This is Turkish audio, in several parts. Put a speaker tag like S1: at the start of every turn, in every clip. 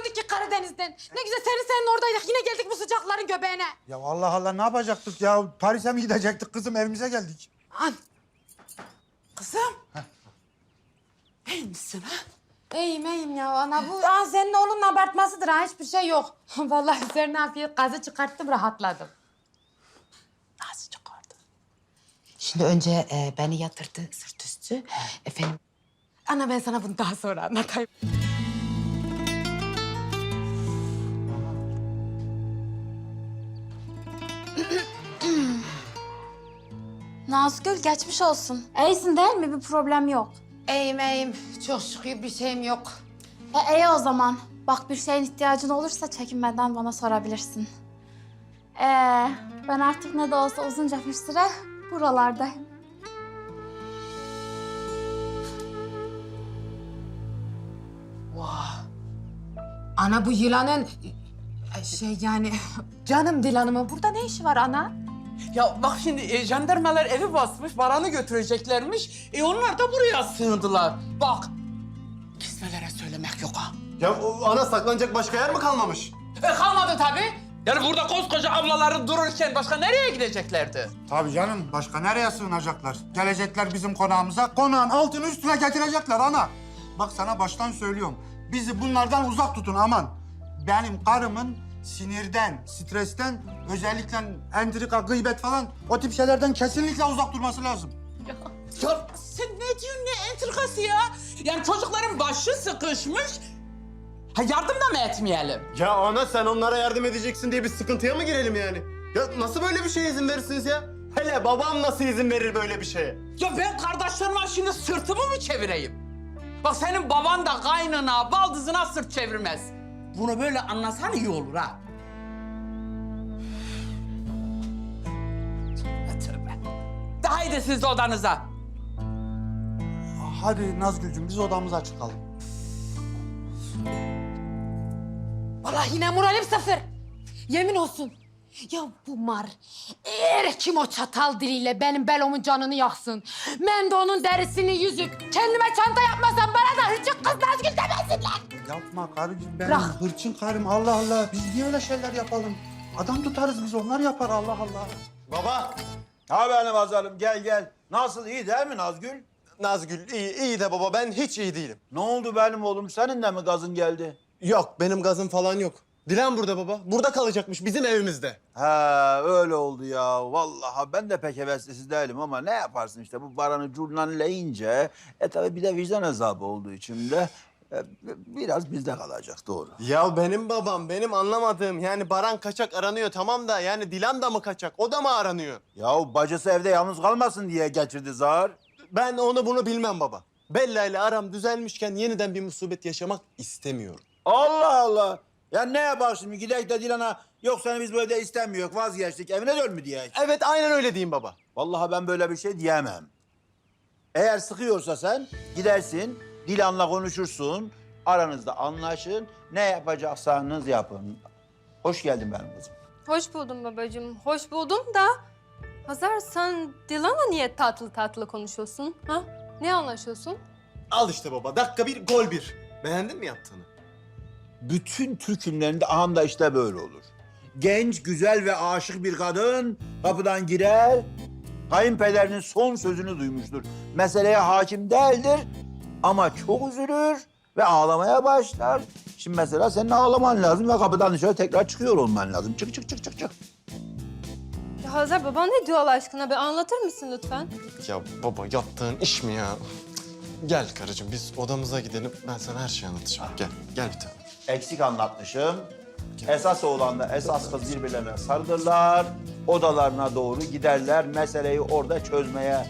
S1: döndük ki Karadeniz'den. Ne güzel senin oradaydık. Yine geldik bu sıcakların göbeğine.
S2: Ya Allah Allah ne yapacaktık ya? Paris'e mi gidecektik kızım? Evimize geldik.
S1: An.
S3: Kızım. İyi misin ha?
S1: İyiyim ya ana. Bu senin oğlunun abartmasıdır ha. Hiçbir şey yok. Vallahi üzerine hafif gazı çıkarttım, rahatladım.
S3: Nasıl çıkardı?
S1: Şimdi önce beni yatırdı sırt üstü. Efendim. Ana ben sana bunu daha sonra anlatayım.
S4: Nazgül geçmiş olsun. İyisin değil mi? Bir problem yok.
S1: İyiyim. Çok şükür bir şeyim yok.
S4: İyi o zaman. Bak bir şeyin ihtiyacın olursa çekinmeden bana sorabilirsin. Ben artık ne de olsa uzunca bir süre buralardayım.
S1: Ana bu yılanın yani canım Dilan'ımın burada ne işi var ana?
S3: Ya bak şimdi jandarmalar evi basmış, Baran'ı götüreceklermiş. Onlar da buraya sığındılar. Bak, kismelere söylemek yok ha.
S5: Ya o ana saklanacak başka yer mi kalmamış?
S3: Kalmadı tabii. Yani burada koskoca ablaları dururken başka nereye gideceklerdi?
S2: Tabii canım. Başka nereye sığınacaklar? Gelecekler bizim konağımıza. Konağın altını üstüne getirecekler ana. Bak sana baştan söylüyorum. Bizi bunlardan uzak tutun aman. Benim karımın sinirden, stresten, özellikle entrika, gıybet falan o tip şeylerden kesinlikle uzak durması lazım.
S3: Ya sen ne diyorsun, ne entrikası ya? Yani çocukların başı sıkışmış. Ha yardım da mı etmeyelim?
S5: Ya ana sen onlara yardım edeceksin diye bir sıkıntıya mı girelim yani? Ya nasıl böyle bir şeye izin verirsiniz ya? Hele babam nasıl izin verir böyle bir şeye?
S3: Ya ben kardeşlerime şimdi sırtımı mı çevireyim? Bak senin baban da kaynına, baldızına sırt çevirmez. Bunu böyle anlasan iyi olur ha. Tövbe tövbe. De haydi siz de odanıza.
S2: Hadi Nazgül'cüm biz odamıza çıkalım.
S1: Vallahi yine moralim sıfır. Yemin olsun. Ya bu mar, eğer kim o çatal diliyle benim belomun canını yaksın, ben de onun derisini yüzüp kendime çanta yapmasam bana da hırçın kız Nazgül demesinler.
S2: Yapma karıcığım benim
S1: Bırak.
S2: hırçın karım Allah Allah. Biz niye öyle şeyler yapalım? Adam tutarız biz onlar yapar Allah Allah.
S5: Baba!
S6: Ha benim azarım gel. Nasıl iyi değil mi Nazgül?
S5: Nazgül iyi de baba ben hiç iyi değilim.
S6: Ne oldu benim oğlum? Senin de mi gazın geldi?
S5: Yok benim gazım falan yok. Dilan burada baba. Burada kalacakmış bizim evimizde.
S6: Ha öyle oldu ya. Vallahi ben de pek heveslisiz değilim ama ne yaparsın işte bu Baran'ı curnanleyince tabii bir de vicdan azabı olduğu için de biraz bizde kalacak doğru.
S5: Ya benim babam benim anlamadığım yani Baran kaçak aranıyor tamam da yani Dilan da mı kaçak o da mı aranıyor?
S6: Ya bacısı evde yalnız kalmasın diye getirdi zar.
S5: Ben onu bunu bilmem baba. Bella ile aram düzelmişken yeniden bir musibet yaşamak istemiyorum.
S6: Allah Allah. Ya ne yapar şimdi gidek de Dilan'a yok seni biz bu evde istemiyoruz vazgeçtik evine dön mü diye.
S5: Evet aynen öyle diyeyim baba.
S6: Vallahi ben böyle bir şey diyemem. Eğer sıkıyorsa sen gidersin, Dilan'la konuşursun, aranızda anlaşın, ne yapacaksanız yapın. Hoş geldin benim kızım.
S7: Hoş buldum babacığım. Hoş buldum da Hazar sen Dilan'la niye tatlı tatlı konuşuyorsun? Ha? Ne anlaşıyorsun?
S5: Al işte baba dakika bir gol bir. Beğendin mi yaptığını?
S6: Bütün Türk filmlerinde aham da işte böyle olur. Genç, güzel ve aşık bir kadın kapıdan girer, kayınpederinin son sözünü duymuştur. Meseleye hakim değildir ama çok üzülür ve ağlamaya başlar. Şimdi mesela senin ağlaman lazım ve kapıdan dışarı tekrar çıkıyor olman lazım. Çık.
S7: Ya Hazar baban ne diyor Allah aşkına? Bir anlatır mısın lütfen?
S5: Ya baba yaptığın iş mi ya? Gel karıcığım biz odamıza gidelim. Ben sana her şeyi anlatacağım. Gel bir tane.
S6: Eksik anlatmışım. Esas oğlanla esas kız birbirlerine sarılırlar. Odalarına doğru giderler. Meseleyi orada çözmeye.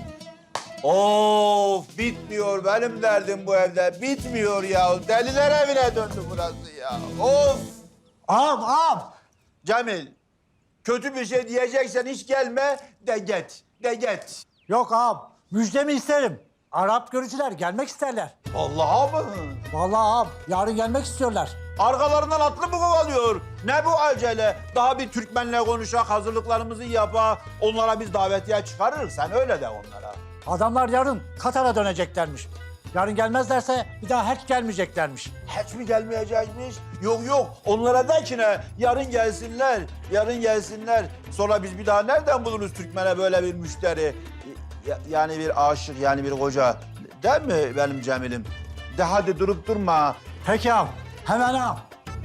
S6: Of bitmiyor benim derdim bu evde. Bitmiyor ya. Deliler evine döndü burası ya. Of.
S2: Ağam.
S6: Cemil, kötü bir şey diyeceksen hiç gelme de git.
S8: Yok ağam, müjdemi isterim. Arap görücüler gelmek isterler.
S6: Allah'a mı?
S8: Vallahi ağam, yarın gelmek istiyorlar.
S6: Arkalarından atlı mı kovalıyor? Ne bu acele? Daha bir Türkmenle konuşak, hazırlıklarımızı yapa. Onlara biz davetiye çıkarırız. Sen öyle de onlara.
S8: Adamlar yarın Katar'a döneceklermiş. Yarın gelmezlerse bir daha hiç gelmeyeceklermiş.
S6: Hiç mi gelmeyecekmiş? Yok yok. Onlara de ki ne? Yarın gelsinler. Yarın gelsinler. Sonra biz bir daha nereden buluruz Türkmen'e böyle bir müşteri? Yani bir aşık, yani bir koca. Değil mi benim Cemil'im? De hadi durup durma.
S8: Peki ağam, hemen ağam.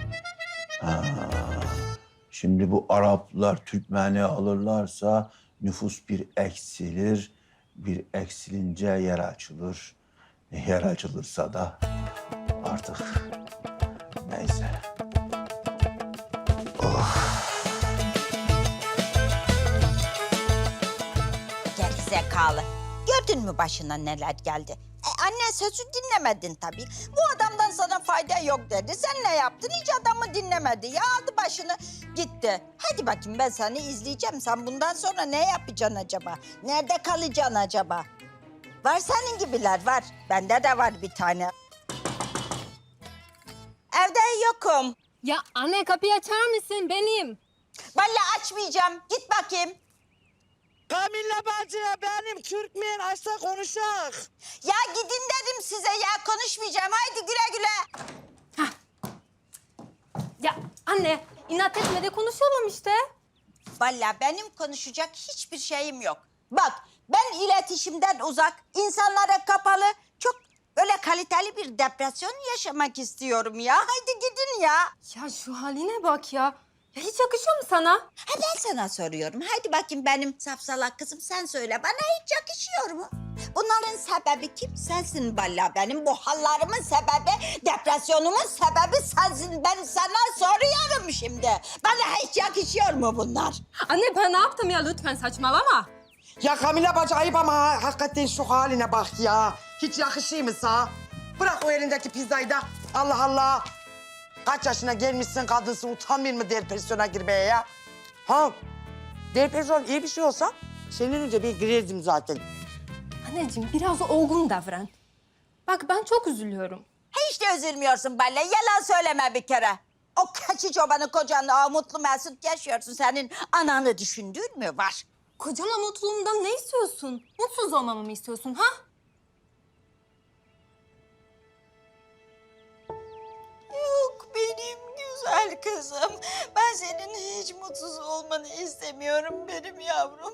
S6: Şimdi bu Araplar Türkmen'i alırlarsa nüfus bir eksilir. Bir eksilince yer açılır. Yer açılırsa da artık neyse.
S9: Gerizekalı. Gördün mü başına neler geldi? Anne sözü dinlemedin tabii. Bu adamdan sana fayda yok dedi. Sen ne yaptın? Hiç adamı dinlemedi. Ya aldı başını gitti. Hadi bakayım ben seni izleyeceğim. Sen bundan sonra ne yapacaksın acaba? Nerede kalacaksın acaba? Var senin gibiler var. Bende de var bir tane. Evde yokum.
S7: Ya anne kapıyı açar mısın? Benim.
S9: Vallahi açmayacağım. Git bakayım.
S10: Kamilla bacıya benim Türkmen açsa konuşak.
S9: Ya gidin dedim size ya. Konuşmayacağım. Haydi güle güle.
S7: Ya anne inat etme de konuşalım işte.
S9: Vallahi benim konuşacak hiçbir şeyim yok. Bak ben iletişimden uzak, insanlara kapalı, çok böyle kaliteli bir depresyon yaşamak istiyorum ya. Haydi gidin ya.
S7: Ya şu haline bak ya. Ya hiç yakışıyor mu sana?
S9: Ha ben sana soruyorum. Haydi bakayım benim safsalak kızım sen söyle. Bana hiç yakışıyor mu? Bunların sebebi kim? Sensin vallahi benim. Bu hallarımın sebebi, depresyonumun sebebi sensin. Ben sana soruyorum şimdi. Bana hiç yakışıyor mu bunlar?
S7: Anne ben ne yaptım ya lütfen saçmalama.
S10: Ya Kamilla bacı ayıp ama hakikaten şu haline bak ya. Hiç yakışıyor mu sana? Bırak o elindeki pizzayı da. Allah Allah. Kaç yaşına gelmişsin kadınsın utanmıyor mu depresyona girmeye ya? Ha? Depresyon iyi bir şey olsa senin önce bir girerdim zaten.
S7: Anneciğim biraz olgun davran. Bak ben çok üzülüyorum.
S9: Hiç de üzülmüyorsun Balle. Yalan söyleme bir kere. O keçi çobanı kocanla o mutlu mesut yaşıyorsun. Senin ananı düşündüğün mü var?
S7: Kocama mutluluğumdan ne istiyorsun? Mutsuz olmamı mı istiyorsun ha?
S9: Yok benim güzel kızım. Ben senin hiç mutsuz olmanı istemiyorum benim yavrum.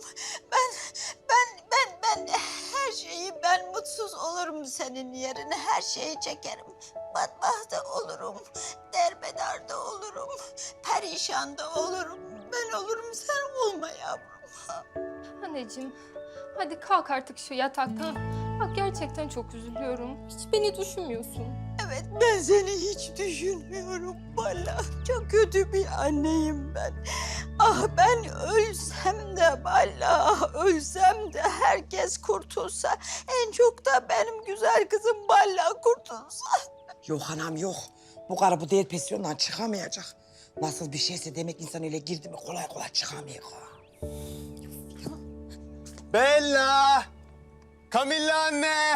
S9: Ben her şeyi ben mutsuz olurum senin yerine. Her şeyi çekerim. Batmahta olurum. Derbedarda olurum. Perişanda olurum. Ben olurum sen olma yavrum.
S7: Anneciğim hadi kalk artık şu yataktan. Bak gerçekten çok üzülüyorum. Hiç beni düşünmüyorsun.
S9: Evet ben seni hiç düşünmüyorum valla. Çok kötü bir anneyim ben. Ah ben ölsem de valla ölsem de herkes kurtulsa. En çok da benim güzel kızım valla kurtulsa.
S10: Yok anam yok. Bu karı bu depresyondan çıkamayacak. Nasıl bir şeyse demek insan öyle girdi mi kolay kolay çıkamıyor.
S5: Bella! Kamilla anne!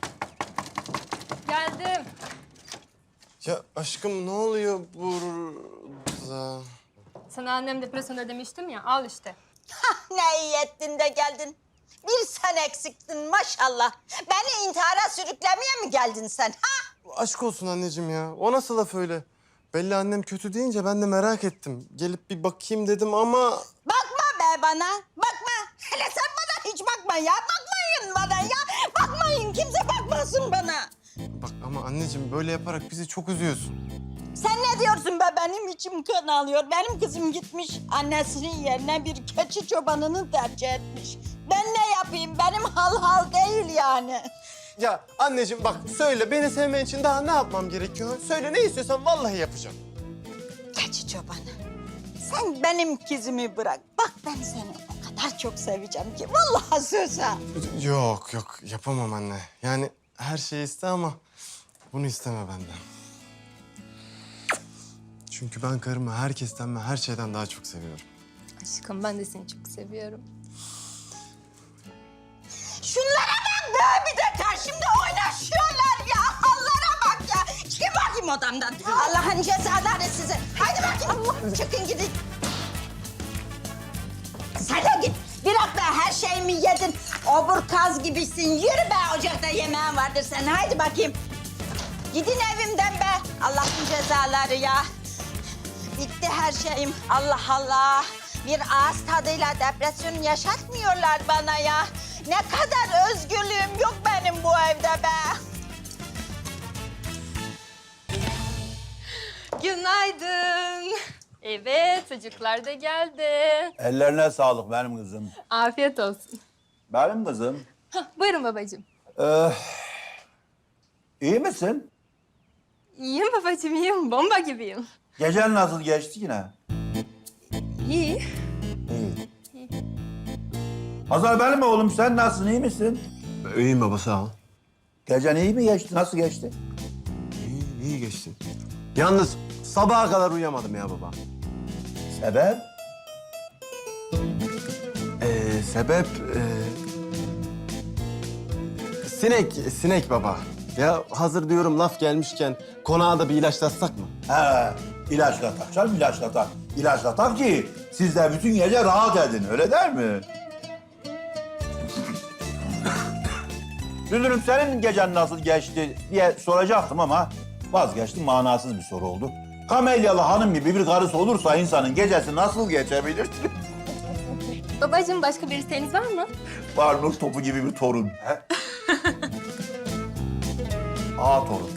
S7: Geldim.
S5: Ya aşkım ne oluyor burada?
S7: Sana annem depresyonda demiştim ya al işte.
S9: Ne iyi ettin de geldin. Bir sen eksiktin maşallah. Beni intihara sürüklemeye mi geldin sen? Ha?
S5: Aşk olsun anneciğim ya. O nasıl laf öyle? Bella annem kötü deyince ben de merak ettim. Gelip bir bakayım dedim ama...
S9: Bakma be bana. Bakma. Hele sen bana hiç bakma ya. Bakmayın bana ya. Bakmayın. Kimse bakmasın bana.
S5: Bak ama anneciğim böyle yaparak bizi çok üzüyorsun.
S9: Sen ne diyorsun be? Benim içim kan alıyor. Benim kızım gitmiş. Annesinin yerine bir keçi çobanını tercih etmiş. Ben ne yapayım? Benim hal değil yani.
S5: Ya anneciğim bak söyle beni sevmen için daha ne yapmam gerekiyor? Söyle ne istiyorsan vallahi yapacağım.
S9: Keçi çobanı. Sen benim kızımı bırak. Bak ben seni o kadar çok seveceğim ki. Vallahi söz ha.
S5: Yok yapamam anne. Yani her şeyi iste ama bunu isteme benden. Çünkü ben karımı herkesten ve her şeyden daha çok seviyorum.
S7: Aşkım ben de seni çok seviyorum.
S9: Şunlara bak be bir de karşımda oynaşıyorlar ya. Allah'ına bak ya. Çıkın bakayım odamdan. Allah'ın cezaları size. Haydi bakayım. Çıkın gidin. Sen de git. Bir hafta her şeyimi yedin. Obur kaz gibisin. Yürü be, ocakta yemeğin vardır senin. Haydi bakayım. Gidin evimden be. Allah'ın cezaları ya. Bitti her şeyim. Allah Allah. Bir ağız tadıyla depresyon yaşatmıyorlar bana ya. Ne kadar özgürlüğüm yok benim bu evde be.
S7: Günaydın. Evet, çocuklar da geldi.
S6: Ellerine sağlık benim kızım.
S7: Afiyet olsun.
S6: Benim kızım.
S7: Hah, buyurun babacığım.
S6: İyi misin?
S7: İyiyim babacığım, iyiyim. Bomba gibiyim.
S6: Gecen nasıl geçti yine?
S7: İyi.
S6: İyi. Hazar benim oğlum, sen nasılsın, iyi misin?
S5: İyiyim baba, sağ ol.
S6: Gecen iyi mi geçti, nasıl geçti?
S5: İyi geçti. Yalnız sabaha kadar uyuyamadım ya baba.
S6: Sebep?
S5: Sebep... Sinek baba. Ya hazır diyorum laf gelmişken konağa da bir ilaçlatsak mı?
S6: He, ilaçlatak canım, ilaçlatak. İlaçlatak ki siz de bütün gece rahat edin, öyle değil mi? Dünürüm, senin gecen nasıl geçti diye soracaktım ama vazgeçtim, manasız bir soru oldu. Kamelyalı hanım gibi bir karısı olursa insanın gecesi nasıl geçebilir?
S7: Babacığım, başka bir isteğiniz var mı?
S6: Var, nur topu gibi bir torun. He? Ağa torun.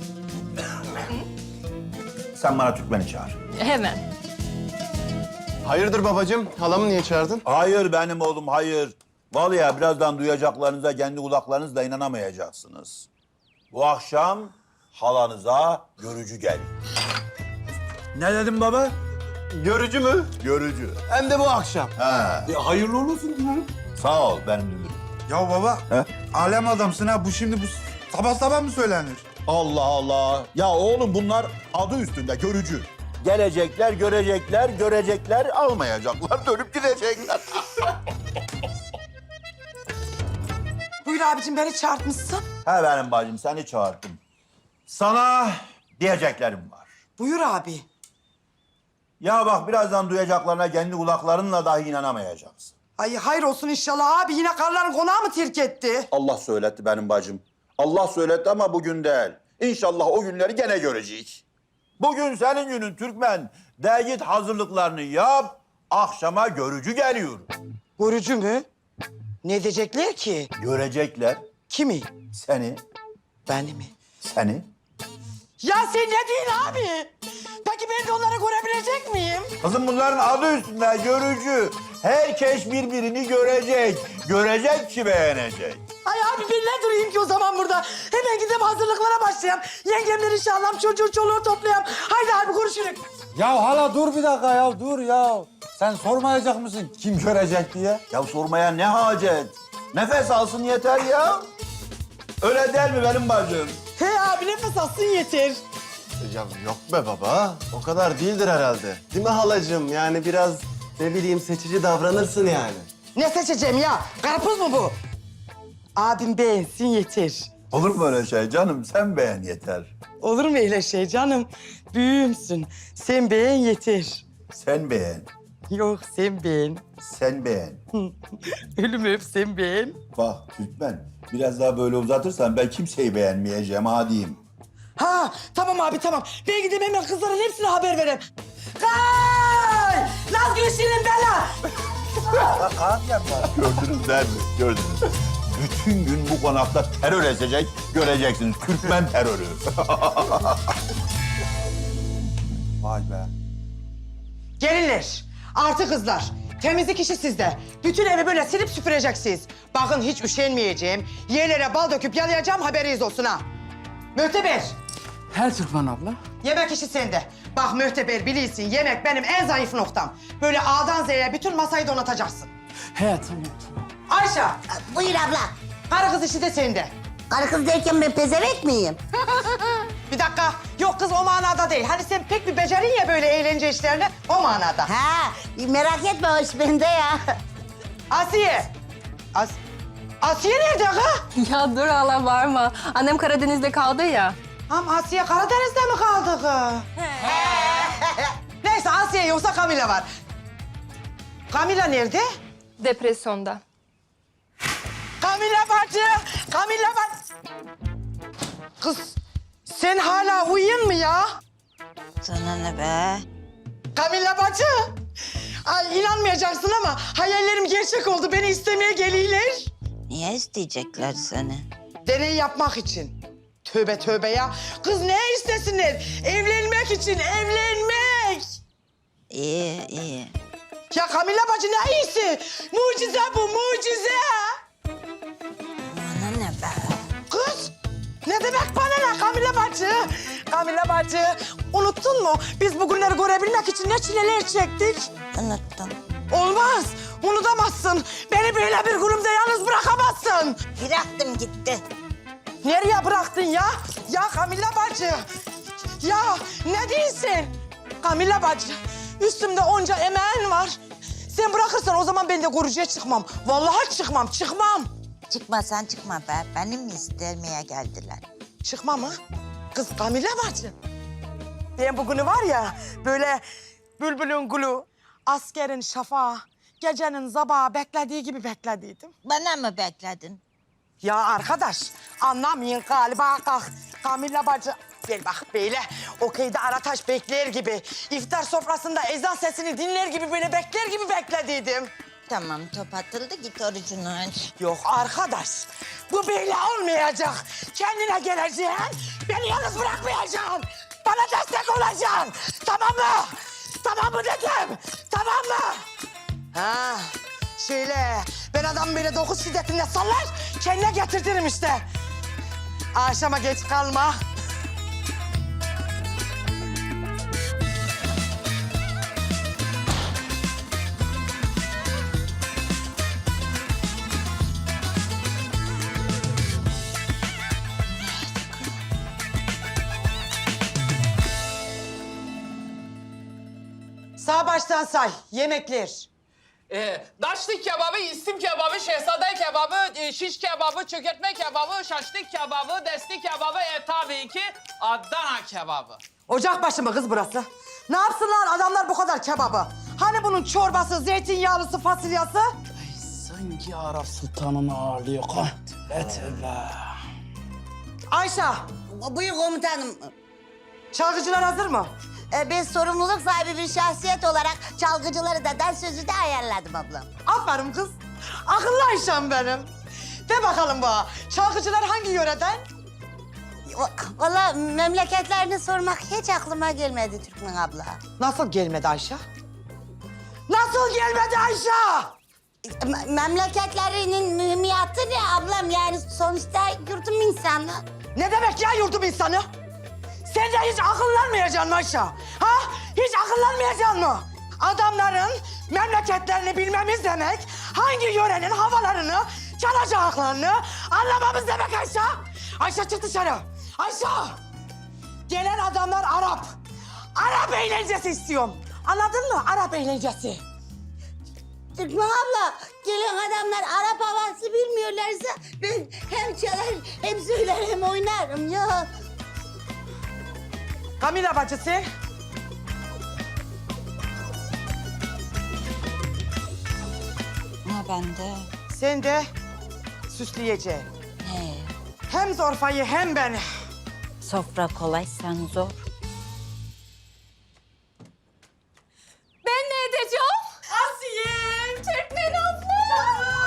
S6: Sen bana Türkmen'i çağır.
S7: Hemen.
S5: Hayırdır babacığım? Halamı niye çağırdın?
S6: Hayır benim oğlum, hayır. Vallahi birazdan duyacaklarınıza kendi kulaklarınızla inanamayacaksınız. Bu akşam halanıza görücü gel. Ne dedim baba?
S5: Görücü mü?
S6: Görücü.
S5: Hem de bu akşam.
S6: Ha.
S5: Hayırlı olsun dünürüm.
S6: Sağ ol benim dünürüm.
S2: Ya baba,
S6: He?
S2: alem adamsın ha. Bu şimdi sabah sabah mı söylenir?
S6: Allah Allah. Ya oğlum bunlar adı üstünde görücü. Gelecekler, görecekler, görecekler, almayacaklar, dönüp gidecekler.
S10: Buyur abicim, beni çağırtmışsın.
S6: He benim bacım, seni çağırdım. Sana diyeceklerim var.
S10: Buyur abi.
S6: Ya bak, birazdan duyacaklarına kendi kulaklarınla dahi inanamayacaksın.
S10: Ay hayır olsun inşallah abi. Yine karıların konağı mı terk etti?
S6: Allah söyletti benim bacım. Allah söyletti ama bugün değil. İnşallah o günleri gene göreceğiz. Bugün senin günün Türkmen. De git hazırlıklarını yap. Akşama görücü geliyor.
S10: Görücü mü? Ne diyecekler ki?
S6: Görecekler
S10: Kimi?
S6: seni,
S10: Beni mi?
S6: seni.
S10: Ya sen ne diyorsun abi? Peki ben de onları görebilecek miyim?
S6: Kızım bunların adı üstünde görücü. Herkes birbirini görecek. Görecek ki beğenecek.
S10: Ay abi ben ne durayım ki o zaman burada? Hemen gidip hazırlıklara başlayayım. Yengemleri inşallah çocuğu çoluğu toplayayım. Haydi abi görüşürüz.
S8: Ya hala dur bir dakika ya, dur ya. Sen sormayacak mısın kim görecek diye?
S6: Ya sormaya ne hacet? Nefes alsın yeter ya. Öyle değil mi benim bacım?
S10: He abi nefes alsın yeter.
S5: Ya yok be baba. O kadar değildir herhalde. Değil mi halacığım? Yani biraz ne bileyim seçici davranırsın yani.
S10: Ne seçeceğim ya? Karpuz mu bu? Abim beğensin yeter.
S6: Olur mu öyle şey canım? Sen beğen yeter.
S10: Olur mu öyle şey canım? Büyüğümsün. Sen beğen yeter.
S6: Sen beğen.
S10: Yok sen beğen.
S6: Sen beğen.
S10: Ölüm öp sen beğen.
S6: Bak Türkmen, biraz daha böyle uzatırsan ben kimseyi beğenmeyeceğim, ha diyeyim.
S10: Ha tamam abi tamam. Ben gidip hemen kızların hepsine haber vereyim. Kay! Naz Gülşen'in bela!
S6: Gördünüz değil mi? Gördünüz. Bütün gün bu konakta terör esecek, göreceksiniz. Türkmen terörü.
S8: Vay be.
S10: Gelinler, artı kızlar. Temizlik işi sizde. Bütün evi böyle silip süpüreceksiniz. Bakın hiç üşenmeyeceğim. Yerlere bal döküp yalayacağım, haberiniz olsun ha. Mühteber,
S3: Her Türkmen abla.
S10: yemek işi sende. Bak Mühteber bilirsin, yemek benim en zayıf noktam. Böyle A'dan Z'ye bütün masayı donatacaksın.
S3: He tamam tamam.
S10: Ayşe,
S9: Buyur abla.
S10: karı kız işi de sende.
S9: Karı kız derken ben pezevenk miyim?
S10: Bir dakika, yok kız o manada değil. Hani sen pek bir becerin ya böyle eğlence işlerine, o manada.
S9: Ha, merak etme hoş bende ya.
S10: Asiye. Asiye nerede ha?
S7: Ya dur hala varma. Annem Karadeniz'de kaldı ya.
S10: Ham Asiye Karadeniz'de mi kaldı kız? Neyse Asiye yoksa Kamila var. Kamila nerede?
S7: Depresyonda.
S10: Kamila Kamilla bacı! Kamilla bacı! Kız sen hala uyuyun mu ya?
S9: Sana ne be?
S10: Kamilla bacı! Ay inanmayacaksın ama hayallerim gerçek oldu. Beni istemeye geliyorlar.
S9: Niye isteyecekler seni?
S10: Deney yapmak için. Tövbe tövbe ya. Kız ne istesinler? Evlenmek için, evlenmek.
S9: İyi, iyi.
S10: Ya Kamilla bacı ne iyisi? Mucize bu, mucize.
S9: Bana ne be?
S10: Kız, ne demek bana ne Kamilla bacı? Kamilla bacı, unuttun mu? Biz bugünleri görebilmek için ne çileler çektik?
S9: Unuttum.
S10: Olmaz, unutamazsın. Beni böyle bir kurumda yalnız bırakamazsın.
S9: Bıraktım gitti.
S10: Nereye bıraktın ya? Ya Kamilla bacı. Ya ne değilsin? Kamilla bacı, üstümde onca emeğin var. Sen bırakırsan o zaman ben de korucuya çıkmam. Vallahi çıkmam, çıkmam.
S9: Çıkma sen çıkma be. Benim mi istemeye geldiler?
S10: Çıkma mı? Kız Kamilla bacı. Ben bugünü var ya böyle bülbülün gülü, askerin şafağı, gecenin zabağı beklediği gibi beklediydim.
S9: Bana mı bekledin?
S10: Ya arkadaş anlamayın galiba kalk. Kamilla bacı gel bak böyle okeyde Arataş bekler gibi, iftar sofrasında ezan sesini dinler gibi böyle bekler gibi beklediydim.
S9: Tamam top atıldı git orucunu aç.
S10: Yok arkadaş, bu böyle olmayacak. Kendine geleceksin, beni yalnız bırakmayacaksın. Bana destek olacaksın, tamam mı? Tamam mı dedim, tamam mı? Ha, şöyle, ben adamı böyle 9 şiddetinde sallar, kendine getirtirim işte. Akşama geç kalma. Sağ baştan say, yemekler.
S3: Daşlı kebabı, istim kebabı, şehzade kebabı, şiş kebabı, çökertme kebabı, şaşlık kebabı, desti kebabı, tabii ki Adana kebabı.
S10: Ocak başı mı kız burası? Ne yapsınlar adamlar bu kadar kebabı? Hani bunun çorbası, zeytinyağlısı, fasulyası?
S3: Sanki Arap Sultan'ın ağırlıyor kan. Tövbe.
S10: Ayşe,
S11: Buyur komutanım.
S10: çalgıcılar hazır mı?
S11: Ben sorumluluk sahibi bir şahsiyet olarak çalgıcıları da dans sözü de ayarladım ablam.
S10: Aferin kız. Akıllı Ayşem benim. De bakalım bana, çalgıcılar hangi yöreden?
S11: Vallahi memleketlerini sormak hiç aklıma gelmedi Türkmen abla.
S10: Nasıl gelmedi Ayşe? Nasıl gelmedi Ayşe?
S11: Memleketlerinin mühimiyatı ne ablam? Yani sonuçta yurdum insanı.
S10: Ne demek ya yurdum insanı? Sen de hiç akıllanmayacaksın mı Ayşe? Ha? Hiç akıllanmayacaksın mı? Adamların memleketlerini bilmemiz demek, hangi yörenin havalarını, çalacaklarını anlamamız demek Ayşe. Ayşe çık dışarı. Ayşe! Gelen adamlar Arap. Arap eğlencesi istiyorum. Anladın mı? Arap eğlencesi.
S11: Türkmen abla, gelen adamlar Arap havası bilmiyorlarsa ben hem çalar, hem söyler, hem oynarım ya.
S10: Kamilla bacı sen?
S9: Ha ben de.
S10: Sen de süsleyeceksin.
S9: He.
S10: Hem Zorfa'yı hem beni.
S9: Sofra kolay sen zor.
S7: Ben ne edeceğim?
S10: Asiye!
S7: Türkmen abla.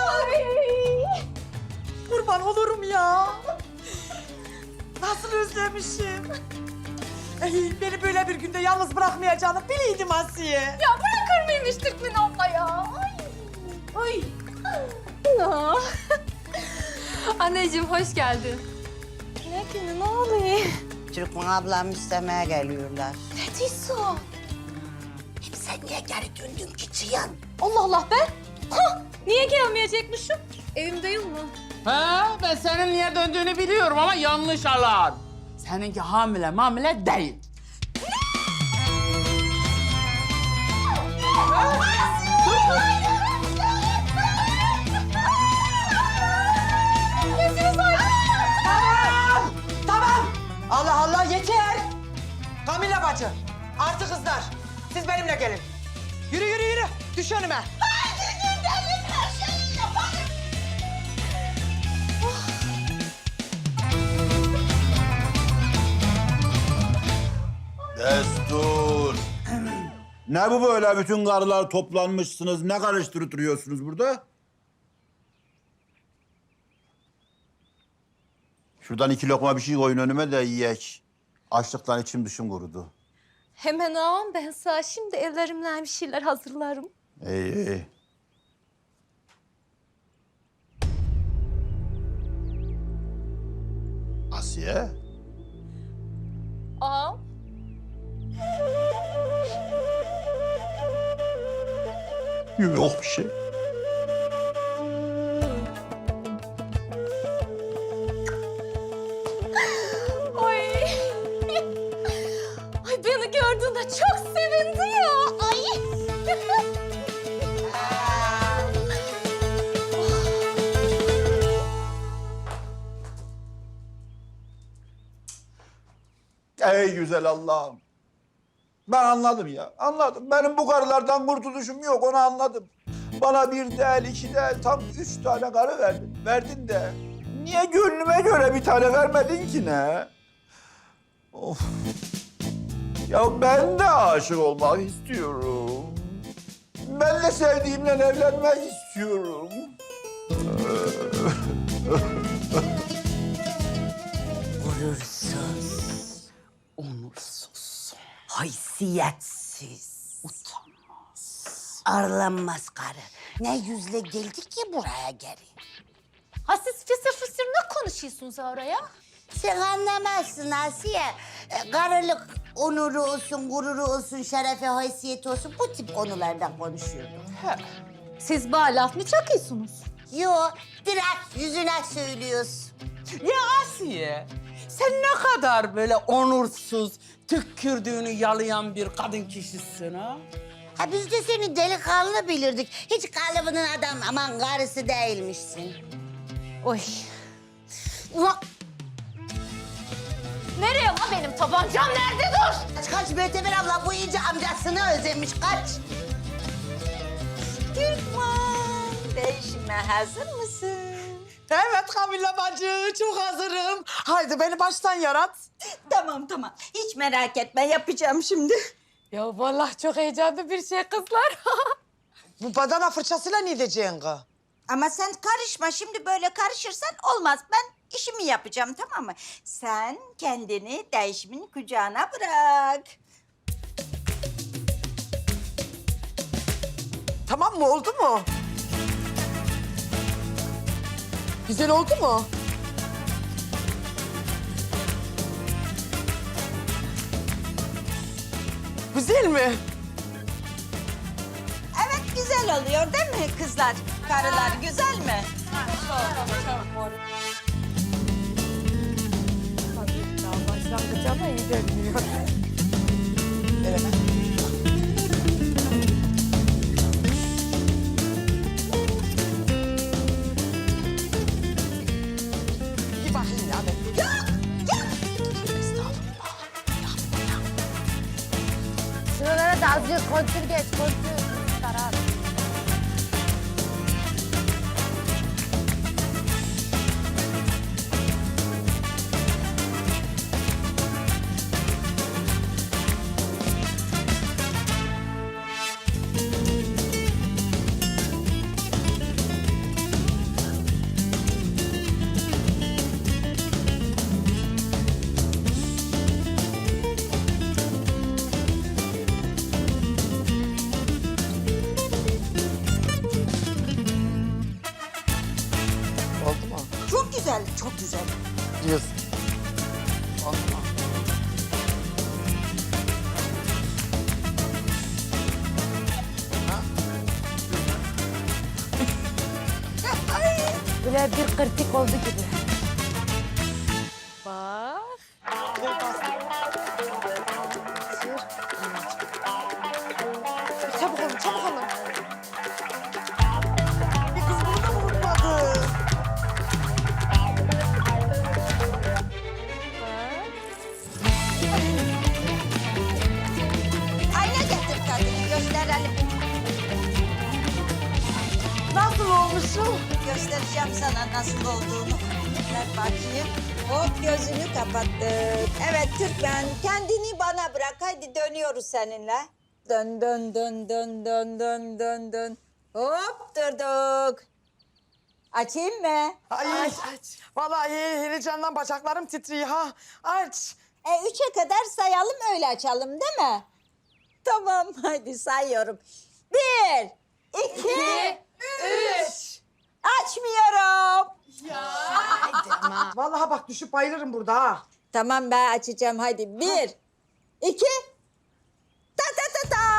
S10: Kurban olurum ya. Nasıl özlemişim. Beni böyle bir günde yalnız bırakmayacağını biliydim Asiye.
S7: Ya bırakır mıymış Türkmen abla ya? Ay. Ya. Anneciğim hoş geldin. Ne günü ne oluyor?
S11: Türkmen ablam istemeye geliyorlar.
S7: Ne diyorsun?
S11: Hep sen niye geri döndün ki Cihan?
S7: Allah Allah be. Hah, niye gelmeyecekmişim? Evimdeyim mi?
S3: Ha, ben senin niye döndüğünü biliyorum ama yanlış alan. Seninki hamile mamile değil.
S10: Tamam. Allah Allah yeter. Kamilla bacı, artı kızlar. Siz benimle gelin. Yürü yürü yürü. Düş önüme.
S6: Destur. Ne bu böyle bütün karılar toplanmışsınız? Ne karıştırıp duruyorsunuz burada? Şuradan 2 lokma bir şey koyun önüme de yiyek. Açlıktan içim dışım kurudu.
S7: Hemen ağam ben sana şimdi ellerimle bir şeyler hazırlarım.
S6: İyi iyi. Asiye?
S7: Ağam.
S6: Yok bir şey.
S7: Ay. Ay beni gördüğünde çok sevindi ya. Ay.
S6: Ey güzel Allah'ım. Ben anladım ya, anladım. Benim bu karılardan kurtuluşum yok, onu anladım. Bana 1 değil, 2 değil, tam 3 tane karı verdin. Verdin de niye gönlüme göre bir tane vermedin ki ne? Of. Ya ben de aşık olmak istiyorum. Ben de sevdiğimle evlenmek istiyorum.
S11: Gurursuz, onursuz, haysiyetsiz, utanmaz, arlanmaz karı. Ne yüzle geldi ki buraya geri?
S7: Ha siz fısır fısır ne konuşuyorsunuz oraya?
S11: Sen anlamazsın Asiye. Karılık onuru olsun, gururu olsun, şerefe, haysiyeti olsun bu tip konulardan konuşuyorduk.
S7: Siz bana laf mı çakıyorsunuz?
S11: Yo, direkt yüzüne söylüyoruz.
S10: Ya Asiye, sen ne kadar böyle onursuz, tükürdüğünü yalayan bir kadın kişisin ha?
S11: Ha biz de seni delikanlı bilirdik. Hiç kalıbının adam aman karısı değilmişsin.
S7: Oy. Ulan. Nereye lan benim tabancam? Nerede dur?
S11: Kaç kaç Möteber abla bu iyice amcasını özlemiş kaç.
S9: Türkman, değişime hazır mısın?
S10: Evet Kamilla bacı, çok hazırım. Haydi beni baştan yarat.
S9: Tamam tamam. Hiç merak etme yapacağım şimdi.
S1: Ya vallahi çok heyecanlı bir şey kızlar.
S10: Bu badana fırçasıyla ne diyeceksin kız?
S9: Ama sen karışma. Şimdi böyle karışırsan olmaz. Ben işimi yapacağım tamam mı? Sen kendini değişimin kucağına bırak.
S10: Tamam mı, oldu mu? Güzel oldu mu? Güzel mi?
S9: Evet güzel oluyor değil mi kızlar? Karılar güzel mi?
S1: Başlangıç ama iyi görünüyor.
S10: Bir bakayım ya ben.
S1: Şuralara da azıcık kontür geç, kontür. Karar.
S10: Oldu mu?
S9: Çok güzel, çok güzel.
S10: Diyorsun.
S1: Böyle bir kritik oldu gibi. Bak.
S10: Çabuk olun, çabuk olun. Bir kız burada mı unutmadı?
S9: Ayna getir kadın, gösterelim.
S10: Nasıl olmuşum?
S9: Göstereceğim sana nasıl olduğunu. Ver bakayım. Hop gözünü kapattık. Evet Türkmen kendini bana bırak. Hadi dönüyoruz seninle. Dön dön dön dön dön dön dön dön. Hop durduk. Açayım mı?
S10: Ay, vallahi heyecandan bacaklarım titriyor ha. Aç.
S9: 3'e kadar sayalım öyle açalım değil mi? Tamam hadi sayıyorum. 1, 2, 3. Açmıyorum.
S10: Vallahi bak düşüp bayılırım burada ha.
S9: Tamam ben açacağım hadi. 1, 2, ta ta ta ta.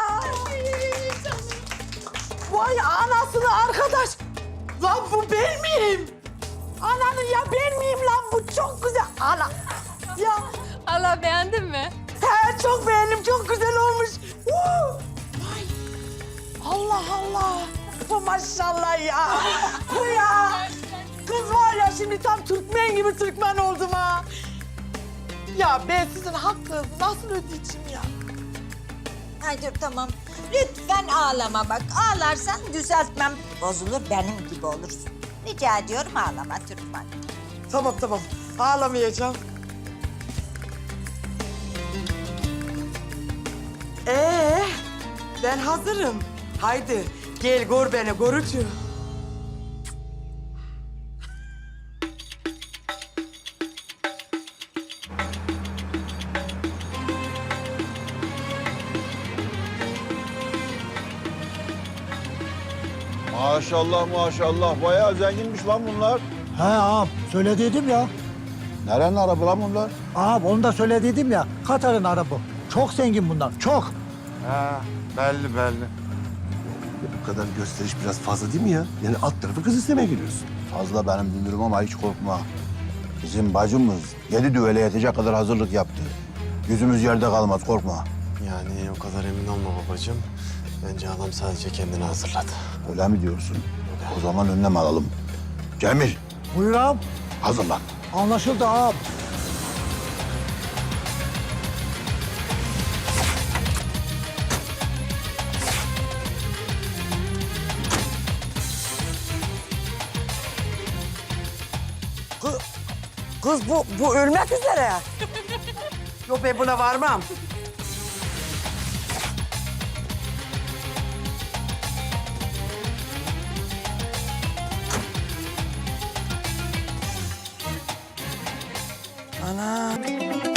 S10: Vay anasını arkadaş. Lan bu ben miyim? Ananı ya ben miyim lan bu çok güzel. Ana. Ya
S7: Allah beğendin mi?
S10: he çok beğendim çok güzel olmuş. Vay. Allah Allah. Bu maşallah ya. Bu ya. Kız var ya şimdi tam Türkmen gibi Türkmen oldum ha. Ya ben sizin hakkınızı nasıl ödeyeceğim ya?
S9: Ay dur tamam. Lütfen ağlama bak. Ağlarsan düzeltmem bozulur benim gibi olursun. Rica ediyorum ağlama Türkmen.
S10: Tamam tamam ağlamayacağım. Ben hazırım. Haydi gel gör beni görücü.
S6: Maşallah maşallah bayağı zenginmiş lan bunlar.
S8: He ağam söylediydim ya.
S6: Nerenin arabı lan bunlar?
S8: Ağam onu da söylediydim ya. Katar'ın arabı. Çok zengin bunlar çok.
S2: Ha, belli belli.
S5: Bu kadar gösteriş biraz fazla değil mi ya? Yani alt tarafı kız istemeye geliyorsun.
S6: Fazla benim dünürüm ama hiç korkma. Bizim bacımız 7 düvele yetecek kadar hazırlık yaptı. Yüzümüz yerde kalmaz korkma.
S5: Yani o kadar emin olma babacığım. Bence adam sadece kendini hazırladı.
S6: Öyle mi diyorsun? O zaman önlem alalım. Cemil
S8: Buyur ağam.
S6: hazırlan.
S8: Anlaşıldı ağam.
S10: Kız bu ölmek üzere. Yok ben buna varmam. Ana.